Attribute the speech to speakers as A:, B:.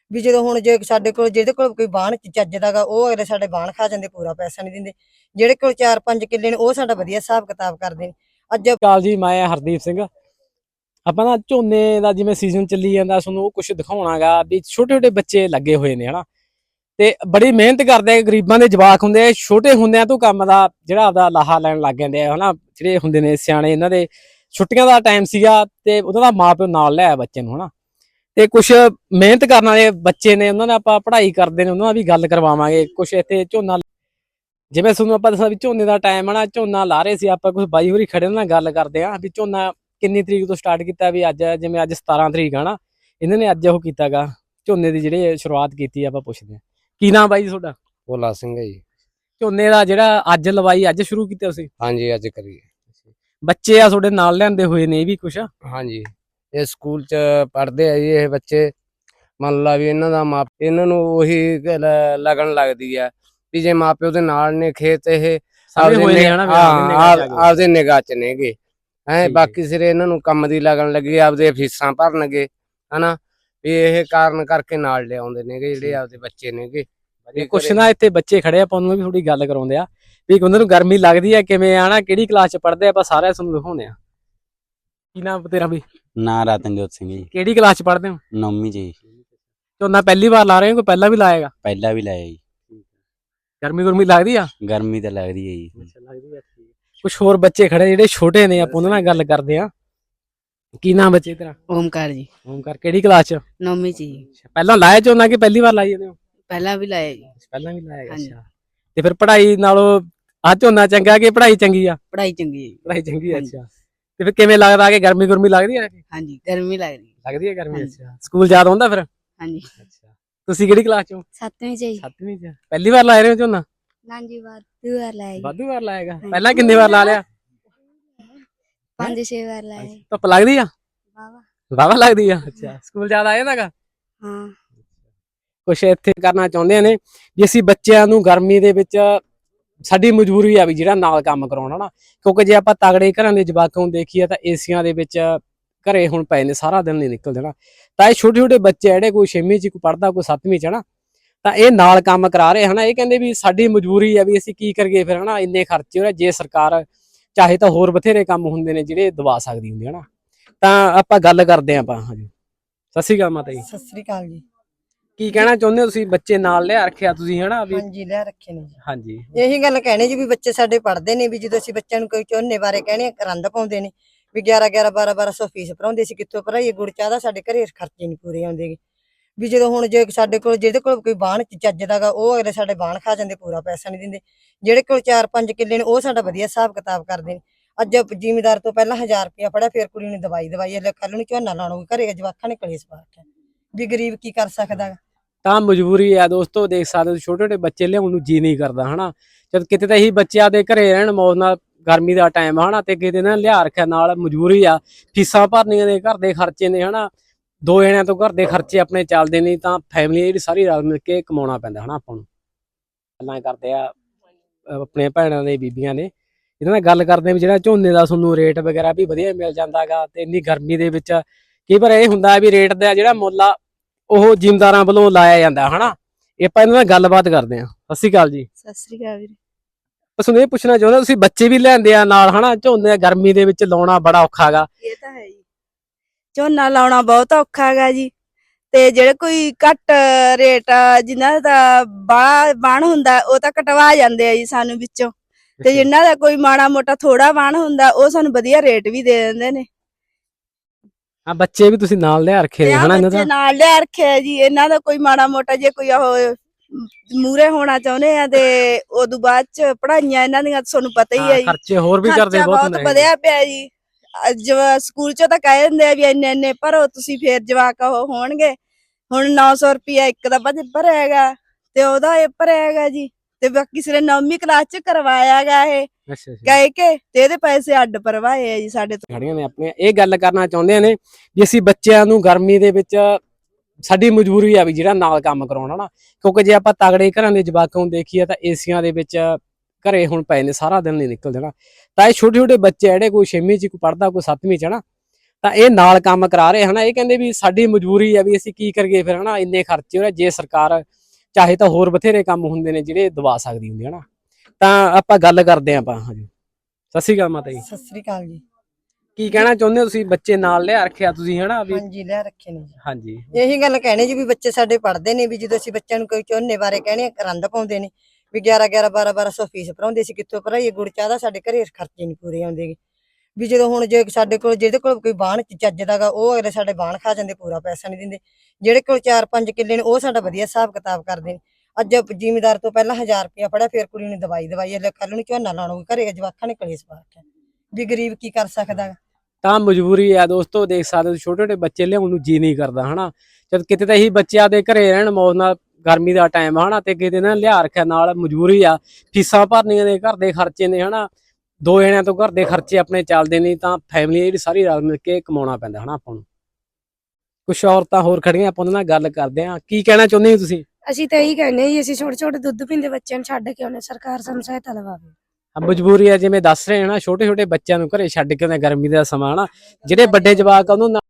A: ਵੀ ਜਦੋਂ ਹੁਣ ਜੇ ਸਾਡੇ ਕੋਲ ਜਿਹਦੇ ਕੋਲ ਕੋਈ ਬਾਣ ਚੱਜ ਦਾਗਾ ਉਹ ਅਗਲੇ ਸਾਡੇ ਬਾਣ ਖਾ ਜਾਂਦੇ, ਪੂਰਾ ਪੈਸਾ ਨਹੀਂ ਦਿੰਦੇ। ਜਿਹੜੇ ਕੋਲ 4-5 ਕਿੱਲੇ ਨੇ ਉਹ ਸਾਡਾ ਵਧੀਆ ਹਿਸਾਬ ਕਿਤਾਬ ਕਰਦੇ ਨੇ। ਅੱਜ
B: ਕਾਲ ਜੀ, ਮੈਂ ਹਰਦੀਪ ਸਿੰਘ। ਆਪਾਂ ਨਾ ਝੋਨੇ ਦਾ ਜਿਵੇਂ ਸੀਜ਼ਨ ਚੱਲੀ ਜਾਂਦਾ, ਤੁਹਾਨੂੰ ਉਹ ਕੁਝ ਦਿਖਾਉਣਾਗਾ ਵੀ ਛੋਟੇ ਛੋਟੇ ਬੱਚੇ ਲੱਗੇ ਹੋਏ ਨੇ ਹਨਾ, ਤੇ ਬੜੀ ਮਿਹਨਤ ਕਰਦੇ ਆ। ਗਰੀਬਾਂ ਦੇ ਜਵਾਕ ਹੁੰਦੇ ਆ, ਛੋਟੇ ਹੁੰਦਿਆਂ ਤੋਂ ਕੰਮ ਦਾ ਜਿਹੜਾ ਆਪਦਾ ਲਾਹਾ ਲੈਣ ਲੱਗ ਜਾਂਦੇ ਆ ਹਨਾ। ਜਿਹੜੇ ਹੁੰਦੇ ਨੇ ਸਿਆਣੇ, ਇਹਨਾਂ ਦੇ ਛੁੱਟੀਆਂ ਦਾ ਟਾਈਮ ਸੀਗਾ ਤੇ ਉਹਨਾਂ ਦਾ ਮਾਂ ਪਿਓ ਨਾਲ ਲਿਆਇਆ ਬੱਚੇ ਨੂੰ ਹਨਾ। ਤੇ ਕੁਛ ਮਿਹਨਤ ਕਰਨ ਵਾਲੇ ਬੱਚੇ ਨੇ, ਉਹਨਾਂ ਨਾਲ ਆਪਾਂ ਪੜ੍ਹਾਈ ਕਰਦੇ ਨੇ, ਉਹਨਾਂ ਨਾਲ ਵੀ ਗੱਲ ਕਰਵਾਵਾਂਗੇ। ਕੁਛ ਇੱਥੇ ਝੋਨਾ, ਜਿਵੇਂ ਤੁਹਾਨੂੰ ਆਪਾਂ ਦੱਸਿਆ ਵੀ ਝੋਨੇ ਦਾ ਟਾਈਮ ਹੈ ਨਾ, ਝੋਨਾ ਲਾ ਰਹੇ ਸੀ ਆਪਾਂ। ਕੁਛ ਬਾਈ ਹੋਰੀ ਖੜੇ ਉਹਨਾਂ ਨਾਲ ਗੱਲ ਕਰਦੇ ਆ ਵੀ ਝੋਨਾ ਕਿੰਨੀ ਤਰੀਕ ਤੋਂ ਸਟਾਰਟ ਕੀਤਾ। ਵੀ ਅੱਜ ਜਿਵੇਂ ਅੱਜ 17 ਤਰੀਕ ਆ ਨਾ, ਇਹਨਾਂ ਨੇ ਅੱਜ ਉਹ ਕੀਤਾਗਾ ਝੋਨੇ ਦੀ ਜਿਹੜੀ ਸ਼ੁਰੂਆਤ ਕੀਤੀ। ਆਪਾਂ ਪੁੱਛਦੇ ਆ, ਕੀ ਨਾਮ ਬਾਈ ਜੀ ਤੁਹਾਡਾ?
C: ਭੋਲਾ ਸਿੰਘ ਹੈ ਜੀ।
B: ਝੋਨੇ ਦਾ ਜਿਹੜਾ ਅੱਜ ਲਵਾਈ ਅੱਜ ਸ਼ੁਰੂ ਕੀਤਾ ਤੁਸੀਂ?
C: ਹਾਂਜੀ, ਅੱਜ ਕਰੀਏ।
B: ਬੱਚੇ ਆ ਤੁਹਾਡੇ ਨਾਲ ਲਿਆਂਦੇ ਹੋਏ ਨੇ ਇਹ ਵੀ ਕੁਛ?
C: ਹਾਂਜੀ, ਇਹ ਸਕੂਲ ਚ ਪੜ੍ਹਦੇ ਆ ਜੀ ਇਹ ਬੱਚੇ। ਮੰਨ ਲਾ ਵੀ ਇਹਨਾਂ ਦਾ ਇਹਨਾਂ ਨੂੰ ਉਹੀ ਲੱਗਣ ਲੱਗਦੀ ਆ ਵੀ ਜੇ ਮਾਪਿਓ ਦੇ ਨਾਲ ਨੇ ਖੇਤ, ਇਹ ਆਪਦੇ ਨਿਗਾਹ ਚ ਨੇਗੇ ਹੈ। ਬਾਕੀ ਸਿਰੇ ਇਹਨਾਂ ਨੂੰ ਕੰਮ ਦੀ ਲੱਗਣ ਲੱਗੀ, ਆਪਦੇ ਫੀਸਾਂ ਭਰਨਗੇ ਹਨਾ। ਵੀ ਇਹ ਕਾਰਨ ਕਰਕੇ ਨਾਲ ਲਿਆਉਂਦੇ ਨੇਗੇ ਜਿਹੜੇ ਆਪਦੇ ਬੱਚੇ ਨੇਗੇ।
B: ਕੁਛ ਨਾ ਇੱਥੇ ਬੱਚੇ ਖੜੇ ਆਪਾਂ ਨੂੰ ਵੀ ਥੋੜੀ ਗੱਲ ਕਰਾਉਂਦੇ ਆ ਵੀ ਉਹਨਾਂ ਨੂੰ ਗਰਮੀ ਲੱਗਦੀ ਆ ਕਿਵੇਂ ਆ ਨਾ, ਕਿਹੜੀ ਕਲਾਸ ਚ ਪੜ੍ਹਦੇ ਆ। ਆਪਾਂ ਸਾਰਿਆਂ ਤੁਹਾਨੂੰ ਦਿਖਾਉਂਦੇ ਆ। ਕੀ ਨਾਮ ਤੇਰਾ ਬਈ?
D: ਨਾਂ ਰਤਨਜੋਤ ਸਿੰਘ ਜੀ।
B: ਕਿਹੜੀ ਕਲਾਸ ਚ ਪੜ੍ਹਦੇ ਹੋ?
D: 9ਵੀਂ ਜੀ।
B: ਝੋਨਾ ਪਹਿਲੀ ਵਾਰ ਲਾ ਰਹੇ ਹੋ, ਕੋਈ ਪਹਿਲਾਂ ਵੀ ਲਾਏਗਾ?
D: ਪਹਿਲਾਂ ਵੀ ਲਾਇਆ ਜੀ।
B: ਗਰਮੀ ਗੁਰਮੀ ਲੱਗਦੀ ਆ?
D: ਗਰਮੀ ਤਾਂ ਲੱਗਦੀ ਹੈ ਜੀ।
B: ਲੱਗਦੀ ਆ। ਕੁਛ ਹੋਰ ਬੱਚੇ ਖੜੇ ਜਿਹੜੇ ਛੋਟੇ ਨੇ, ਆਪਾਂ ਉਹਨਾਂ ਨਾਲ ਗੱਲ ਕਰਦੇ ਆ। ਕੀ ਨਾਮ ਬੱਚੇ ਤੇਰਾ?
E: ਓਮਕਾਰ ਜੀ।
B: ਓਮਕਾਰ, ਕਿਹੜੀ ਕਲਾਸ ਚ?
E: 9ਵੀਂ ਜੀ।
B: ਪਹਿਲਾਂ ਲਾਇਆ ਝੋਨਾ ਕਿ ਪਹਿਲੀ ਵਾਰ ਲਾਈ ਜਾਂਦੇ ਹੋ?
E: ਪਹਿਲਾਂ ਵੀ ਲਾਇਆ ਜੀ।
B: ਪਹਿਲਾਂ ਵੀ ਲਾਇਆ। ਅੱਛਾ, ਤੇ ਫਿਰ ਪੜ੍ਹਾਈ ਨਾਲੋਂ ਆ ਝੋਨਾ ਚੰਗਾ ਕਿ ਪੜ੍ਹਾਈ ਚੰਗੀ ਆ?
E: ਪੜ੍ਹਾਈ ਚੰਗੀ ਹੈ ਜੀ।
B: ਪੜ੍ਹਾਈ ਚੰਗੀ ਆ। ਅੱਛਾ, ਤੇ ਫਿਰ ਕਿਵੇਂ ਲੱਗਦਾ ਕਿ ਗਰਮੀ ਗੁਰਮੀ ਲੱਗਦੀ ਆ?
E: ਹਾਂਜੀ, ਗਰਮੀ ਲੱਗਦੀ
B: ਹੈ ਗਰਮੀ। ਅੱਛਾ, ਸਕੂਲ ਯਾਦ ਆਉਂਦਾ ਫਿਰ?
E: ਹਾਂਜੀ।
B: ਅੱਛਾ, ਤੁਸੀਂ ਕਿਹੜੀ ਕਲਾਸ ਚੋਂ?
F: 7ਵੀਂ ਚ ਜੀ।
B: 7ਵੀਂ ਚ। ਪਹਿਲੀ ਵਾਰ ਲਾ ਰਹੇ ਹੋ ਝੋਨਾ?
F: ਨਾ ਜੀ, ਵਾਧੂ ਵਾਰ ਲਾਇਆ।
B: ਵਾਧੂ ਵਾਰ ਲਾਏਗਾ? ਪਹਿਲਾਂ ਕਿੰਨੇ ਵਾਰ ਲਾ ਲਿਆ?
F: 5-6 ਵਾਰ ਲਾਇਆ।
B: ਧੁੱਪ ਲੱਗਦੀ ਆ?
F: ਵਾਵਾ।
B: ਵਾਵਾ ਲੱਗਦੀ ਆ। ਅੱਛਾ, ਸਕੂਲ ਯਾਦ ਆ ਜਾਂਦਾਗਾ?
F: ਹਾਂ।
B: ਕੁਛ ਇੱਥੇ ਕਰਨਾ ਚਾਹੁੰਦੇ ਨੇ ਵੀ ਅਸੀਂ ਬੱਚਿਆਂ ਨੂੰ ਗਰਮੀ ਦੇ ਵਿੱਚ, ਸਾਡੀ ਮਜਬੂਰੀ ਆ ਵੀ ਜਿਹੜਾ ਨਾਲ ਕੰਮ ਕਰਾਉਣਾ ਨਾ। ਕਿਉਂਕਿ ਜੇ ਆਪਾਂ ਤਗੜੇ ਘਰਾਂ ਦੇ ਜਵਾਕਾਂ ਨੂੰ ਦੇਖੀਏ ਤਾਂ ਏਸੀਆਂ ਦੇ ਵਿੱਚ ਘਰੇ ਹੁਣ ਪਏ ਨੇ, ਸਾਰਾ ਦਿਨ ਨਹੀਂ ਨਿਕਲਦੇ ਨਾ। ਤਾਂ ਇਹ ਛੋਟੇ ਛੋਟੇ ਬੱਚੇ ਜਿਹੜੇ ਕੋਈ 6ਵੀਂ ਚ, ਕੋਈ ਪੜ੍ਹਦਾ, ਕੋਈ 7ਵੀਂ ਚ ਹਨਾ, ਤਾਂ ਇਹ ਨਾਲ ਕੰਮ ਕਰਾ ਰਹੇ ਹਨਾ। ਇਹ ਕਹਿੰਦੇ ਵੀ ਸਾਡੀ ਮਜਬੂਰੀ ਆ ਵੀ ਅਸੀਂ ਕੀ ਕਰੀਏ ਫਿਰ ਹਨਾ, ਇੰਨੇ ਖਰਚੇ ਹੋ ਰਹੇ। ਜੇ ਸਰਕਾਰ ਚਾਹੇ ਤਾਂ ਹੋਰ ਬਥੇਰੇ ਕੰਮ ਹੁੰਦੇ ਨੇ ਜਿਹੜੇ ਦਵਾ ਸਕਦੀ ਹੁੰਦੀ ਹਨਾ। ਤਾਂ ਆਪਾਂ ਗੱਲ ਕਰਦੇ ਆਂ ਆਪਾਂ। ਹਾਂਜੀ, ਸਤਿ ਸ਼੍ਰੀ ਅਕਾਲ ਮਾਤਾ ਜੀ।
A: ਸਤਿ ਸ੍ਰੀ ਅਕਾਲ ਜੀ।
B: ਕੀ ਕਹਿਣਾ ਚਾਹੁੰਦੇ ਹੋ ਤੁਸੀਂ? ਬੱਚੇ ਨਾਲ ਲਿਆ ਰੱਖਿਆ ਤੁਸੀਂ ਹਨਾ ਵੀ?
A: ਹਾਂਜੀ, ਲੈ ਰੱਖੇ ਨੇ ਜੀ।
B: ਹਾਂਜੀ,
A: ਇਹੀ ਗੱਲ ਕਹਿਣੀ ਜੀ ਵੀ ਬੱਚੇ ਸਾਡੇ ਪੜ੍ਹਦੇ ਨੇ। ਵੀ ਜਦੋਂ ਅਸੀਂ ਬੱਚਿਆਂ ਨੂੰ ਕੋਈ ਝੋਨੇ ਬਾਰੇ ਕਹਿਣੇ, ਰੰਦ ਪਾਉਂਦੇ ਨੇ ਵੀ 11-11 12-1200 ਫੀਸ ਭਰਾਉਂਦੇ ਸੀ। ਕਿੱਥੋਂ ਭਰਾਈਏ? ਗੁੜ ਚਾਹ ਦਾ ਸਾਡੇ ਘਰੇ ਖਰਚੇ ਨਹੀਂ ਪੂਰੇ ਆਉਂਦੇ। ਵੀ ਜਦੋਂ ਹੁਣ ਜੇ ਸਾਡੇ ਕੋਲ ਜਿਹਦੇ ਕੋਲ ਕੋਈ ਬਾਣ ਚੱਜ ਦਾਗਾ ਉਹ ਅਗਲੇ ਸਾਡੇ ਬਾਣ ਖਾ ਜਾਂਦੇ, ਪੂਰਾ ਪੈਸਾ ਨਹੀਂ ਦਿੰਦੇ। ਜਿਹੜੇ ਕੋਲ 4-5 ਕਿੱਲੇ ਨੇ ਉਹ ਸਾਡਾ ਵਧੀਆ ਹਿਸਾਬ ਕਿਤਾਬ ਕਰਦੇ ਨੇ। ਅੱਜ ਜ਼ਿਮੀਦਾਰ ਤੋਂ ਪਹਿਲਾਂ 1000 ਰੁਪਇਆ ਫੜਿਆ, ਫਿਰ ਕੁੜੀ ਨੂੰ ਦਵਾਈ ਕੱਲ ਨੂੰ ਝੋਨਾ ਲਾਉਣਾ, ਘਰੇ ਜਵਾਕਾਂ ਨੇ ਕਲੇਸ਼ ਪਾ ਰੱਖਿਆ। ਵੀ ਗਰੀਬ ਕੀ ਕਰ ਸਕਦਾ?
B: ਤਾਂ ਮਜਬੂਰੀ ਆ ਦੋਸਤੋ। ਦੇਖ ਸਕਦੇ ਹੋ ਛੋਟੇ ਛੋਟੇ ਬੱਚੇ ਲਿਆਉਣ ਨੂੰ ਜੀ ਨਹੀਂ ਕਰਦਾ ਹਨਾ। ਜਦ ਕਿਤੇ ਤਾਂ ਇਹੀ ਬੱਚਿਆਂ ਦੇ ਘਰੇ ਰਹਿਣ ਮੌਜ ਨਾਲ, ਗਰਮੀ ਦਾ ਟਾਈਮ ਹਨਾ, ਤੇ ਕਿਤੇ ਨਾ ਲਿਆ ਰੱਖਿਆ ਨਾਲ। ਮਜਬੂਰੀ ਆ, ਫੀਸਾਂ ਭਰਨੀਆਂ ਨੇ, ਘਰ ਦੇ ਖਰਚੇ ਨੇ ਹਨਾ। 2 ਜਣਿਆਂ ਤੋਂ ਘਰ ਦੇ ਖਰਚੇ ਆਪਣੇ ਚੱਲਦੇ ਨਹੀਂ, ਤਾਂ ਫੈਮਿਲੀ ਜਿਹੜੀ ਸਾਰੀ ਰਲ ਮਿਲ ਕੇ ਕਮਾਉਣਾ ਪੈਂਦਾ ਹਨਾ ਆਪਾਂ ਨੂੰ। ਗੱਲਾਂ ਕਰਦੇ ਆ ਆਪਣੇ ਭੈਣਾਂ ਦੇ, ਬੀਬੀਆਂ ਨੇ, ਇਹਨਾਂ ਨਾਲ ਗੱਲ ਕਰਦੇ ਵੀ ਜਿਹੜਾ ਝੋਨੇ ਦਾ ਤੁਹਾਨੂੰ ਰੇਟ ਵਗੈਰਾ ਵੀ ਵਧੀਆ ਮਿਲ ਜਾਂਦਾਗਾ। ਤੇ ਇੰਨੀ ਗਰਮੀ ਦੇ ਵਿੱਚ ਕਈ ਵਾਰ ਇਹ ਹੁੰਦਾ ਵੀ ਰੇਟ ਦਾ ਜਿਹੜਾ ਮੁੱਲ ਆ ਉਹ ਜ਼ਿਮੀਂਦਾਰਾਂ ਵੱਲੋਂ ਲਾਇਆ ਜਾਂਦਾ ਹਨਾ। ਆਪਾਂ ਇਹਨਾਂ ਨਾਲ ਗੱਲਬਾਤ ਕਰਦੇ ਆ। ਸਤਿ ਸ਼੍ਰੀ ਅਕਾਲ ਜੀ।
F: ਸਤਿ ਸ੍ਰੀ ਅਕਾਲ ਵੀਰੇ।
B: ਤੁਹਾਨੂੰ ਇਹ ਪੁੱਛਣਾ ਚਾਹੁੰਦਾ, ਤੁਸੀਂ ਬੱਚੇ ਵੀ ਲੈਂਦੇ ਆ ਨਾਲ ਹਨਾ? ਝੋਨੇ ਗਰਮੀ ਦੇ ਵਿੱਚ ਲਾਉਣਾ ਬੜਾ ਔਖਾ ਹੈਗਾ।
E: ਇਹ ਤਾਂ ਹੈ ਜੀ, ਝੋਨਾ ਲਾਉਣਾ ਬਹੁਤ ਔਖਾ ਹੈਗਾ ਜੀ। ਤੇ ਜਿਹੜੇ ਕੋਈ ਘੱਟ ਰੇਟ ਜਿਨ੍ਹਾਂ ਦਾ ਬਾਣ ਹੁੰਦਾ ਉਹ ਤਾਂ ਕਟਵਾ ਜਾਂਦੇ ਆ ਜੀ ਸਾਨੂੰ ਵਿੱਚੋਂ। ਤੇ ਜਿਨ੍ਹਾਂ ਦਾ ਕੋਈ ਮਾੜਾ ਮੋਟਾ ਥੋੜਾ ਬਾਣ ਹੁੰਦਾ ਉਹ ਸਾਨੂੰ ਵਧੀਆ ਰੇਟ ਵੀ ਦੇ ਦਿੰਦੇ ਨੇ।
B: ਹਾਂ, ਬੱਚੇ ਵੀ ਤੁਸੀਂ ਨਾਲ ਲਿਆ ਰੱਖੇ ਨੇ ਹਨਾ? ਇਹਨਾਂ ਦਾ
E: ਨਾਲ ਲਿਆ ਰੱਖਿਆ ਜੀ। ਇਹਨਾਂ ਦਾ ਕੋਈ ਮਾੜਾ ਮੋਟਾ ਜੇ ਕੋਈ ਉਹ ਮੂਰੇ ਹੋਣਾ ਚਾਹੁੰਦੇ ਆ ਤੇ ਉਦੋਂ ਬਾਅਦ ਚ ਪੜ੍ਹਾਈਆਂ ਇਹਨਾਂ ਦੀਆਂ ਤੁਹਾਨੂੰ ਪਤਾ ਹੀ ਹੈ ਜੀ।
B: ਖਰਚੇ ਹੋਰ ਵੀ ਕਰਦੇ
E: ਬਹੁਤ ਵਧਿਆ ਪਿਆ ਜੀ। ਸਕੂਲ ਚ ਤਾਂ ਕਹਿ ਦਿੰਦੇ ਆ ਵੀ ਇੰਨੇ ਭਰੋ ਤੁਸੀਂ, ਫੇਰ ਜਵਾਕ ਉਹ ਹੋਣਗੇ। ਹੁਣ 900 ਰੁਪਇਆ ਇੱਕ ਦਾ ਭਰਿਆ ਹੈਗਾ ਤੇ ਉਹਦਾ ਇਹ ਭਰਿਆ ਹੈਗਾ ਜੀ। ਤੇ ਬਾਕੀ ਸਿਰੇ 9ਵੀਂ ਕਲਾਸ ਚ ਕਰਵਾਇਆ ਗਾ ਇਹ ਕਹਿ ਕੇ, ਤੇ ਇਹਦੇ ਪੈਸੇ ਅੱਡ ਭਰਵਾਏ ਆ ਜੀ ਸਾਡੇ ਤੋਂ।
B: ਖੜੀਆਂ ਨੇ ਆਪਣੇ। ਇਹ ਗੱਲ ਕਰਨਾ ਚਾਹੁੰਦੇ ਨੇ ਵੀ ਅਸੀਂ ਬੱਚਿਆਂ ਨੂੰ ਗਰਮੀ ਦੇ ਵਿੱਚ, ਸਾਡੀ ਮਜਬੂਰੀ ਆ ਵੀ ਜਿਹੜਾ ਨਾਲ ਕੰਮ ਕਰਾਉਣਾ ਨਾ। ਕਿਉਂਕਿ ਜੇ ਆਪਾਂ ਤਗੜੇ ਘਰਾਂ ਦੇ ਜਵਾਕਾਂ ਨੂੰ ਦੇਖੀਏ ਤਾਂ ਏਸੀਆਂ ਦੇ ਵਿੱਚ ਘਰੇ ਹੁਣ ਪਏ ਨੇ, ਸਾਰਾ ਦਿਨ ਨਹੀਂ ਨਿਕਲਦੇ ਨਾ। ਤਾਂ ਇਹ ਛੋਟੇ ਛੋਟੇ ਬੱਚੇ ਜਿਹੜੇ ਕੋਈ 6ਵੀਂ ਚ, ਕੋਈ ਪੜ੍ਹਦਾ, ਕੋਈ 7ਵੀਂ ਚ ਹਨਾ, ਤਾਂ ਇਹ ਨਾਲ ਕੰਮ ਕਰਾ ਰਹੇ ਹਨਾ। ਇਹ ਕਹਿੰਦੇ ਵੀ ਸਾਡੀ ਮਜਬੂਰੀ ਆ ਵੀ ਅਸੀਂ ਕੀ ਕਰੀਏ ਫਿਰ ਹਨਾ, ਇੰਨੇ ਖਰਚੇ ਹੋ ਰਹੇ। ਜੇ ਸਰਕਾਰ ਚਾਹੇ ਤਾਂ ਹੋਰ ਬਥੇਰੇ ਕੰਮ ਹੁੰਦੇ ਨੇ ਜਿਹੜੇ ਦਵਾ ਸਕਦੀ ਹੁੰਦੀ ਹਨਾ। ਤਾਂ ਆਪਾਂ ਗੱਲ ਕਰਦੇ ਆਂ ਆਪਾਂ। ਹਾਂਜੀ, ਸਤਿ ਸ਼੍ਰੀ ਅਕਾਲ ਮਾਤਾ ਜੀ।
A: ਸਤਿ ਸ੍ਰੀ ਅਕਾਲ ਜੀ।
B: ਕੀ ਕਹਿਣਾ ਚਾਹੁੰਦੇ ਹੋ ਤੁਸੀਂ? ਬੱਚੇ ਨਾਲ ਲਿਆ ਰੱਖਿਆ ਤੁਸੀਂ ਹਨਾ ਵੀ?
A: ਹਾਂਜੀ, ਲੈ ਰੱਖੇ ਨੇ ਜੀ।
B: ਹਾਂਜੀ
A: ਇਹੀ ਗੱਲ ਕਹਿਣੀ ਜੀ ਵੀ ਬੱਚੇ ਸਾਡੇ ਪੜ੍ਹਦੇ ਨੇ, ਵੀ ਜਦੋਂ ਅਸੀਂ ਬੱਚਿਆਂ ਨੂੰ ਕੋਈ ਝੋਨੇ ਬਾਰੇ ਕਹਿੰਦੇ ਰੰਦ ਪਾਉਂਦੇ ਨੇ ਵੀ 11 1200 ਫੀਸ ਭਰਾਉਂਦੇ ਸੀ, ਕਿੱਥੋਂ ਭਰਾਈਏ? ਗੁੜ ਚਾਹ ਦਾ ਸਾਡੇ ਘਰੇ ਖਰਚੇ ਨਹੀਂ ਪੂਰੇ ਆਉਂਦੇ ਵੀ ਜਦੋਂ ਹੁਣ ਜੇ ਸਾਡੇ ਕੋਲ ਜਿਹਦੇ ਕੋਲ ਕੋਈ ਬਾਣ ਚੱਜ ਦਾਗਾ ਉਹ ਅਗਲੇ ਸਾਡੇ ਬਾਣ ਖਾ ਜਾਂਦੇ, ਪੂਰਾ ਪੈਸਾ ਨਹੀਂ ਦਿੰਦੇ। ਜਿਹੜੇ ਕੋਲ 4-5 ਕਿੱਲੇ ਨੇ ਉਹ ਸਾਡਾ ਵਧੀਆ ਹਿਸਾਬ ਕਿਤਾਬ ਕਰਦੇ ਨੇ। ਅੱਜ ਜ਼ਿਮੀਦਾਰ ਤੋਂ ਪਹਿਲਾਂ 1000 ਰੁਪਇਆ ਫੜਿਆ, ਫਿਰ ਕੁੜੀ ਨੂੰ ਦਵਾਈ ਕੱਲ ਨੂੰ ਝੋਨਾ ਲਾਉਣਾ ਘਰੇ ਜਵਾਕਾਂ ਨੇ ਕਲੇਸ਼ ਪਾ ਰੱਖਿਆ ਵੀ ਗਰੀਬ ਕੀ ਕਰ ਸਕਦਾ।
B: ਤਾਂ ਮਜਬੂਰੀ ਆ ਦੋਸਤੋ, ਦੇਖ ਸਕਦੇ ਹੋ ਛੋਟੇ ਛੋਟੇ ਬੱਚੇ ਲਿਆਉਣ ਨੂੰ ਜੀ ਨਹੀਂ ਕਰਦਾ ਹਨਾ। ਜਦ ਕਿਤੇ ਤਾਂ ਇਹੀ ਬੱਚਿਆਂ ਦੇ ਘਰੇ ਰਹਿਣ ਮੌਜ ਨਾਲ, ਗਰਮੀ ਦਾ ਟਾਈਮ ਹਨਾ, ਤੇ ਕਿਤੇ ਨਾ ਲਿਆ ਰੱਖਿਆ ਨਾਲ। ਮਜਬੂਰੀ ਆ, ਫੀਸਾਂ ਭਰਨੀਆਂ ਨੇ, ਘਰ ਦੇ ਖਰਚੇ ਨੇ ਹਨਾ। 2 ਜਣਿਆਂ ਤੋਂ ਘਰ ਦੇ ਖਰਚੇ ਆਪਣੇ ਚੱਲਦੇ ਨਹੀਂ, ਤਾਂ ਫੈਮਿਲੀ ਜਿਹੜੀ ਸਾਰੀ ਰਲ ਮਿਲ ਕੇ ਕਮਾਉਣਾ ਪੈਂਦਾ ਹਨਾ ਆਪਾਂ ਨੂੰ। ਕੁਛ ਔਰਤਾਂ ਹੋਰ ਖੜੀਆਂ, ਆਪਾਂ ਉਹਨਾਂ ਨਾਲ ਗੱਲ ਕਰਦੇ ਆ। ਕੀ ਕਹਿਣਾ ਚਾਹੁੰਦੇ ਹੋ ਤੁਸੀਂ?
G: ਅਸੀਂ ਤਾਂ ਇਹੀ ਕਹਿੰਦੇ ਜੀ, ਅਸੀਂ ਛੋਟੇ ਛੋਟੇ ਦੁੱਧ ਪੀਂਦੇ ਬੱਚਿਆਂ ਨੂੰ ਛੱਡ ਕੇ ਆਉਣੇ, ਸਰਕਾਰ ਸਾਨੂੰ ਸਹਾਇਤਾ ਲਵਾਵੇ।
B: ਮਜਬੂਰੀ ਆ, ਜਿਵੇਂ ਦੱਸ ਰਹੇ ਹਨਾ, ਛੋਟੇ ਛੋਟੇ ਬੱਚਿਆਂ ਨੂੰ ਘਰੇ ਛੱਡ ਕੇ ਆਉਂਦੇ, ਗਰਮੀ ਦਾ ਸਮਾਂ ਹਨਾ। ਜਿਹੜੇ ਵੱਡੇ ਜਵਾਕ ਆ ਉਹਨੂੰ